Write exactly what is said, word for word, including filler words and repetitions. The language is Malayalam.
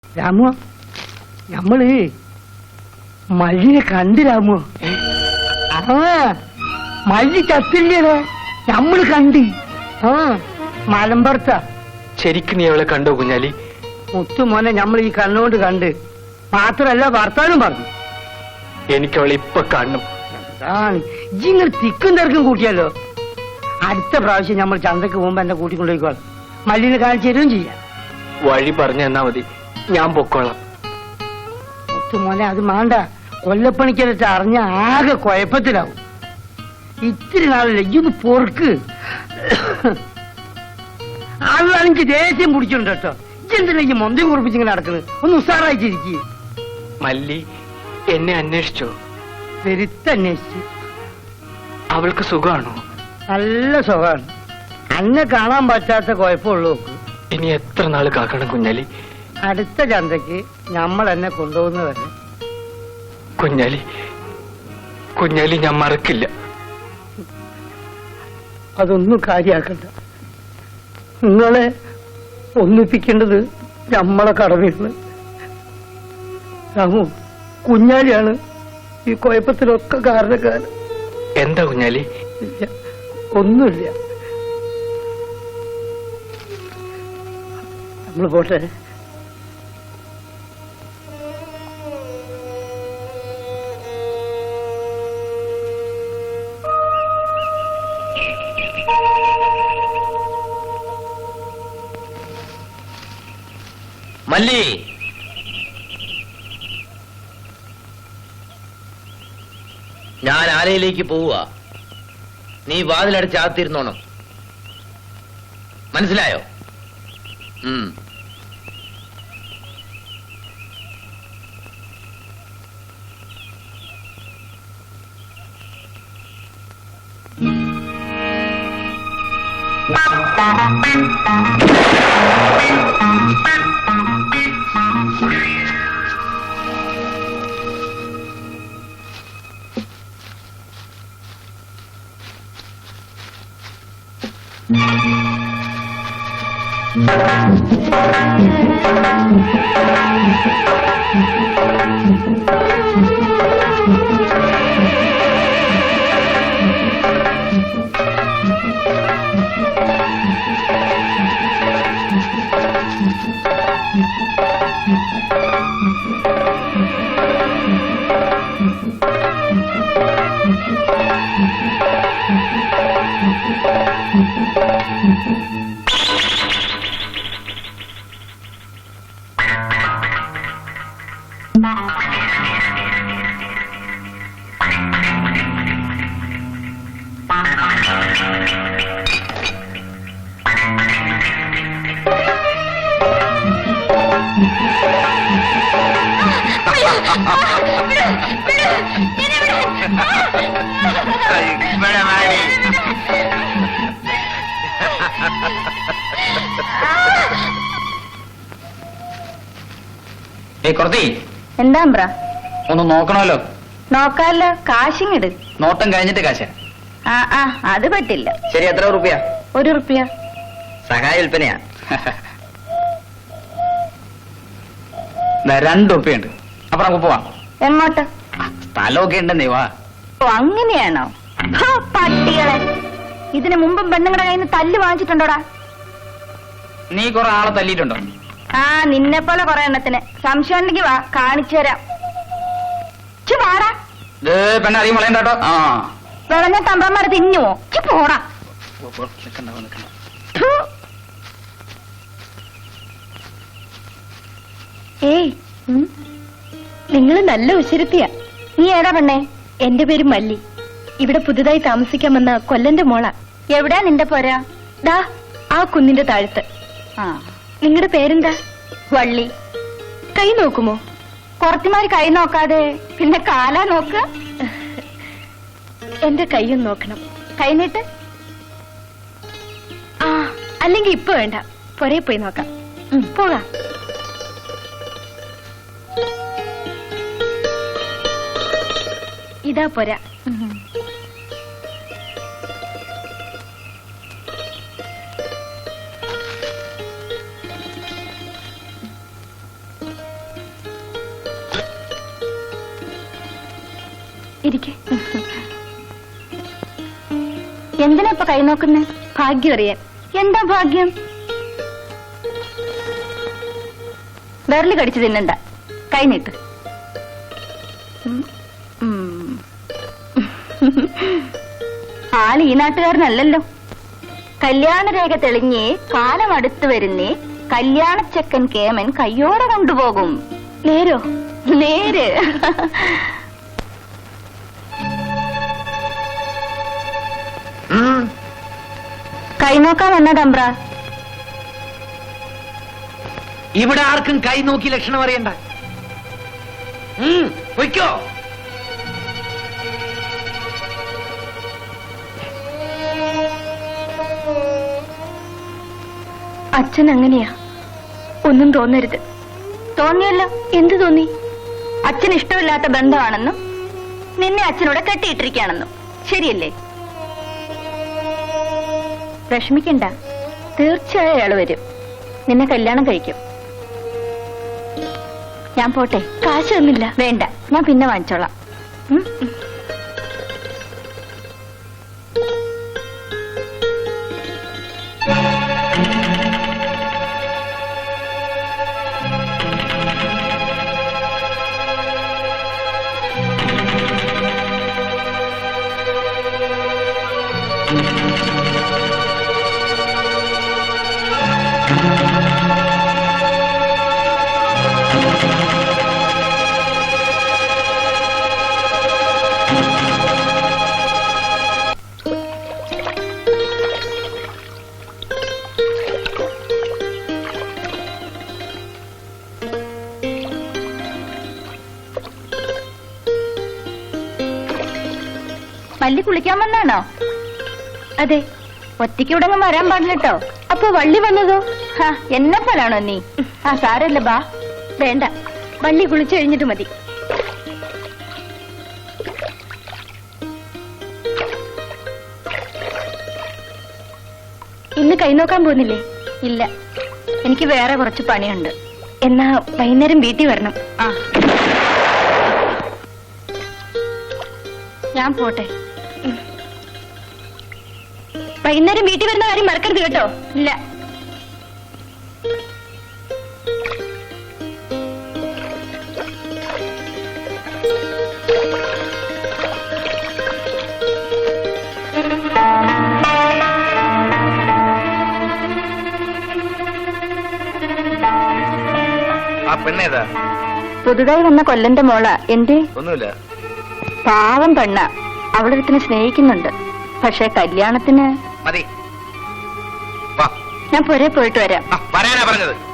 രാമു, നമ്മള് മല്ലിനെ കണ്ട് രാമു. ആ മല്ലി ചത്തില്ലേ? നമ്മള് കണ്ട്. ആ മലമ്പുറത്ത. ശരിക്കും നീ അവളെ കണ്ടോ കുഞ്ഞാലി? മുത്തുമോനെ നമ്മൾ ഈ കണ്ണുകൊണ്ട് കണ്ട്. മാത്രല്ല ഭർത്താനും പറഞ്ഞു എനിക്ക് അവളെ ഇപ്പൊ കാണണം. ഇങ്ങനെ തിക്കും തിരക്കും കൂട്ടിയല്ലോ. അടുത്ത പ്രാവശ്യം നമ്മൾ ചന്തക്ക് പോകുമ്പോ എന്നെ കൂട്ടിക്കൊണ്ടുപോയിക്കോളാം. മല്ലിനെ കാണിച്ചു തരുകയും ചെയ്യാം. വഴി പറഞ്ഞു തന്നാ മതി, ഞാൻ പൊക്കോളാം. മുത്തുമോനെ അത് വേണ്ട. കൊല്ലപ്പണിക്കരട്ട് അറിഞ്ഞ ആകെ കുഴപ്പത്തിലാവും. ഇത്തിരി നാളല്ലേ ഇതൊന്ന് പൊറുക്ക്. ആളാണെങ്കിൽ ദേഷ്യം പിടിച്ചിട്ടുണ്ട് കേട്ടോ. ഇതെന്തിനാ ഈ മൊന്തയും കുറിപ്പിച്ചിങ്ങനെ നടക്കുന്നത്? ഒന്ന് ഉസാറായിട്ടിരിക്കുക. മല്ലി എന്നെ അന്വേഷിച്ചോ? പെരുത്തന്വേഷിച്ചു. അവൾക്ക് സുഖമാണോ? നല്ല സുഖമാണ്. അന്നെ കാണാൻ പറ്റാത്ത കുഴപ്പമുള്ളൂ. ഇനി എത്ര നാള് കാക്കണം കുഞ്ഞാലി? അടുത്ത ചന്തക്ക് നമ്മൾ എന്നെ കൊണ്ടുപോകുന്നവരെ. കുഞ്ഞാലി കുഞ്ഞാലി ഞാൻ മറക്കില്ല. അതൊന്നും കാര്യാക്കണ്ട. നിങ്ങളെ ഒന്നിപ്പിക്കേണ്ടത് നമ്മളെ കടമയാണ്. രാമു, കുഞ്ഞാലിയാണ് ഈ കുഴപ്പത്തിലൊക്കെ കാരണക്കാരൻ. എന്താ കുഞ്ഞാലി? ഇല്ല, ഒന്നുമില്ല. നമ്മൾ പോട്ടെ. മല്ലി, ഞാൻ ആലയിലേക്ക് പോവുക. നീ വാതിലടച്ച് ആത്തിരുന്നോണം. മനസ്സിലായോ? ഉം. എന്താ ഒന്ന് നോക്കണമല്ലോ. നോക്കാല്ലോ. കാശിങ്ങിട്. നോട്ടം കഴിഞ്ഞിട്ട് കാശ. ആ ആ അത് പറ്റില്ല. ശരി, എത്ര റുപ്യ? ഒരു റുപ്യ. സഹായ വിൽപ്പനയാ. രണ്ട് റുപ്യുണ്ട്. അപ്പൊ നമുക്ക് പോവാം. എങ്ങോട്ട്? സ്ഥലമൊക്കെ ഉണ്ടെന്നേ. വാ. ഓ അങ്ങനെയാണോ? പട്ടികളെ, ഇതിനു മുമ്പും പെണ്ണുങ്ങളുടെ കയ്യിൽ നിന്ന് തല്ല് വാങ്ങിച്ചിട്ടുണ്ടോടാ? നീ കുറെ ആളെ തല്ലിയിട്ടുണ്ടോ? ആ നിന്നെ പോലെ കുറെ എണ്ണത്തിന്. സംശയം ഉണ്ടെങ്കിൽ വാ, കാണിച്ചു തരാം. വാടാ. പെണ്ണ അധികം വളയണ്ടോ? ആ വിളഞ്ഞ തമ്പ്രന്മാരെ തിന്നുവോ? പോടാ. ഏയ്, നിങ്ങൾ നല്ല ഉശിരുത്തിയ. നീ ഏതാ പെണ്ണേ? എന്റെ പേര് മല്ലി. ഇവിടെ പുതുതായി താമസിക്കാൻ വന്ന കൊല്ലന്റെ മോള. എവിടെയാ നിന്റെ പോരാ? ദാ ആ കുന്നിന്റെ താഴത്ത്. ആ, നിങ്ങളുടെ പേരെന്താ? വള്ളി. കൈ നോക്കുമോ? കുറച്ചുമാര് കൈ നോക്കാതെ പിന്നെ കാലാ നോക്ക. എന്റെ കൈയും നോക്കണം. കൈ നീട്ട്. ആ, അല്ലെങ്കിൽ ഇപ്പൊ വേണ്ട, പൊരേ പോയി നോക്കാം. പോകാം. ഇതാ പോരാ. ഇരിക്കെ. എന്തിനാ ഇപ്പൊ കൈ നോക്കുന്നേ? ഭാഗ്യം അറിയാൻ. എന്താ ഭാഗ്യം? വിരല് കടിച്ചു തിന്നണ്ട, കൈ നീട്ട്. ഉം. ഉം. ആള് ഈ നാട്ടുകാരനല്ലല്ലോ. കല്യാണരേഖ തെളിഞ്ഞേ, കാലം അടുത്തു വരുന്നേ, കല്യാണച്ചക്കൻ കേമൻ കയ്യോടെ കൊണ്ടുപോകും. നേരോ? നേര്. കൈ നോക്കാൻ വന്നതമ്പ്ര. ഇവിടെ ആർക്കും കൈ നോക്കി ലക്ഷണം അറിയണ്ട. ഉം, പൊയ്ക്കോ. അച്ഛൻ അങ്ങനെയാ, ഒന്നും തോന്നരുത്. തോന്നിയല്ലോ. എന്ത് തോന്നി? അച്ഛൻ ഇഷ്ടമില്ലാത്ത ബന്ധമാണെന്നും നിന്നെ അച്ഛനോട് കെട്ടിയിട്ടിരിക്കുകയാണെന്നും. ശരിയല്ലേ? വിഷമിക്കണ്ട, തീർച്ചയായും അയാൾ വരും, നിന്നെ കല്യാണം കഴിക്കും. ഞാൻ പോട്ടെ. കാശ് തന്നില്ല. വേണ്ട, ഞാൻ പിന്നെ വാങ്ങിച്ചോളാം. ഉം? വള്ളി കുളിക്കാൻ വന്നാണോ? അതെ. ഒറ്റയ്ക്ക് ഇവിടെ വരാൻ പാടില്ലട്ടോ. അപ്പൊ വള്ളി വന്നതോ? ഹാ, എന്നെ പോലാണോ നീ? ആ സാരല്ല, ബാ. വേണ്ട, വള്ളി കുളിച്ചു കഴിഞ്ഞിട്ട് മതി. ഇന്ന് കൈ നോക്കാൻ പോകുന്നില്ലേ? ഇല്ല, എനിക്ക് വേറെ കുറച്ച് പണിയുണ്ട്. എന്നാ വൈകുന്നേരം വീട്ടിൽ വരണം. ആ, ഞാൻ പോട്ടെ. വൈകുന്നേരം വീട്ടിൽ വരുന്ന കാര്യം മറക്കരുത് കേട്ടോ. ഇല്ല. ആ പെണ്ണേതാ? പുതുതായി വന്ന കൊല്ലന്റെ മോള. എന്തേ? ഒന്നുമില്ല. പാവം പെണ്ണ, അവളൊരുത്തിനെ സ്നേഹിക്കുന്നുണ്ട്. പക്ഷെ കല്യാണത്തിന് മതി. വാ, ഞാൻ പുരേ പോയിട്ട് വരാം. വരാനാ പറഞ്ഞത്.